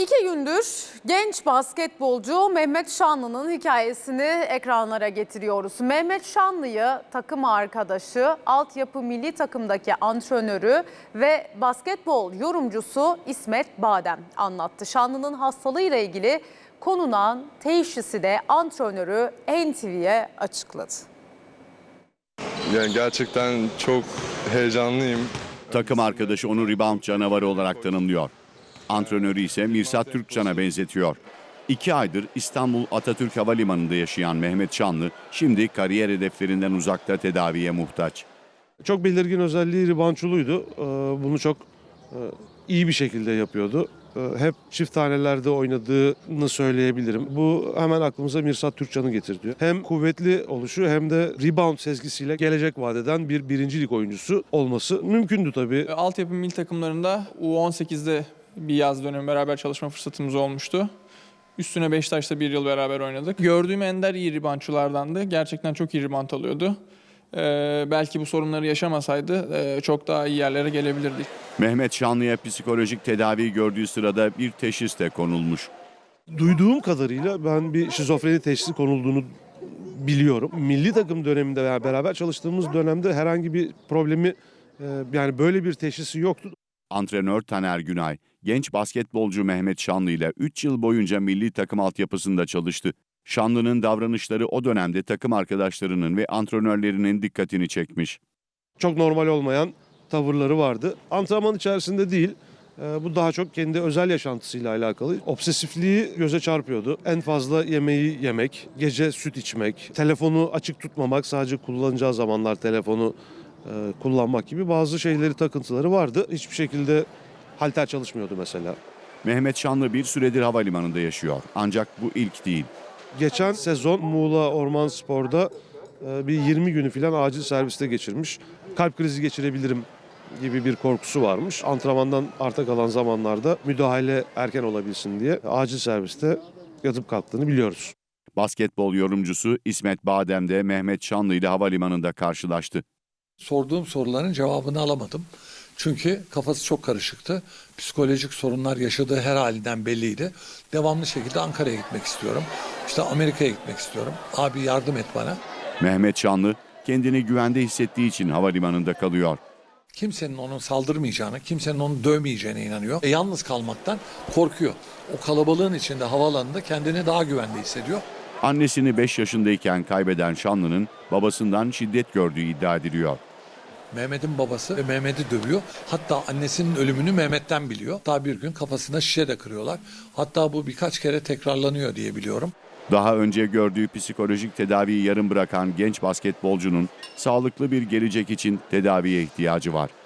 2 gündür genç basketbolcu Mehmet Şanlı'nın hikayesini ekranlara getiriyoruz. Mehmet Şanlı'yı takım arkadaşı, altyapı milli takımdaki antrenörü ve basketbol yorumcusu İsmet Badem anlattı. Şanlı'nın hastalığıyla ilgili konulan teşhisi de antrenörü NTV'ye açıkladı. Yani gerçekten çok heyecanlıyım. Takım arkadaşı onu rebound canavarı olarak tanımlıyor. Antrenörü ise Mirsat Türkcan'a benzetiyor. 2 aydır İstanbul Atatürk Havalimanı'nda yaşayan Mehmet Şanlı şimdi kariyer hedeflerinden uzakta tedaviye muhtaç. Çok belirgin özelliği reboundçuluydu. Bunu çok iyi bir şekilde yapıyordu. Hep çift tanelerde oynadığını söyleyebilirim. Bu hemen aklımıza Mirsat Türkcan'ı getirtiyor. Hem kuvvetli oluşu hem de rebound sezgisiyle gelecek vadeden bir birincilik oyuncusu olması mümkündü tabii. Altyapı milli takımlarında U18'de bir yaz dönemi beraber çalışma fırsatımız olmuştu. Üstüne Beşiktaş'ta bir yıl beraber oynadık. Gördüğüm ender iyi reboundçulardandı. Gerçekten çok iyi rebound alıyordu. Belki bu sorunları yaşamasaydı çok daha iyi yerlere gelebilirdik. Mehmet Şanlı'ya psikolojik tedavi gördüğü sırada bir teşhis de konulmuş. Duyduğum kadarıyla ben bir şizofreni teşhisi konulduğunu biliyorum. Milli takım döneminde veya beraber çalıştığımız dönemde herhangi bir problemi yani böyle bir teşhisi yoktu. Antrenör Taner Günay, genç basketbolcu Mehmet Şanlı ile 3 yıl boyunca milli takım altyapısında çalıştı. Şanlı'nın davranışları o dönemde takım arkadaşlarının ve antrenörlerinin dikkatini çekmiş. Çok normal olmayan tavırları vardı. Antrenman içerisinde değil, bu daha çok kendi özel yaşantısıyla alakalı. Obsesifliği göze çarpıyordu. En fazla yemeği yemek, gece süt içmek, telefonu açık tutmamak, sadece kullanacağı zamanlar telefonu kullanmak gibi bazı şeyleri, takıntıları vardı. Hiçbir şekilde halter çalışmıyordu mesela. Mehmet Şanlı bir süredir havalimanında yaşıyor. Ancak bu ilk değil. Geçen sezon Muğla Ormanspor'da bir 20 günü falan acil serviste geçirmiş. Kalp krizi geçirebilirim gibi bir korkusu varmış. Antrenmandan arta kalan zamanlarda müdahale erken olabilsin diye acil serviste yatıp kalktığını biliyoruz. Basketbol yorumcusu İsmet Badem de Mehmet Şanlı ile havalimanında karşılaştı. Sorduğum soruların cevabını alamadım. Çünkü kafası çok karışıktı. Psikolojik sorunlar yaşadığı her halinden belliydi. Devamlı şekilde Ankara'ya gitmek istiyorum. İşte Amerika'ya gitmek istiyorum. Abi yardım et bana. Mehmet Şanlı kendini güvende hissettiği için havalimanında kalıyor. Kimsenin onun saldırmayacağını, kimsenin onu dövmeyeceğine inanıyor. Yalnız kalmaktan korkuyor. O kalabalığın içinde havaalanında kendini daha güvende hissediyor. Annesini 5 yaşındayken kaybeden Şanlı'nın babasından şiddet gördüğü iddia ediliyor. Mehmet'in babası ve Mehmet'i dövüyor. Hatta annesinin ölümünü Mehmet'ten biliyor. Hatta bir gün kafasına şişe de kırıyorlar. Hatta bu birkaç kere tekrarlanıyor diye biliyorum. Daha önce gördüğü psikolojik tedaviyi yarım bırakan genç basketbolcunun sağlıklı bir gelecek için tedaviye ihtiyacı var.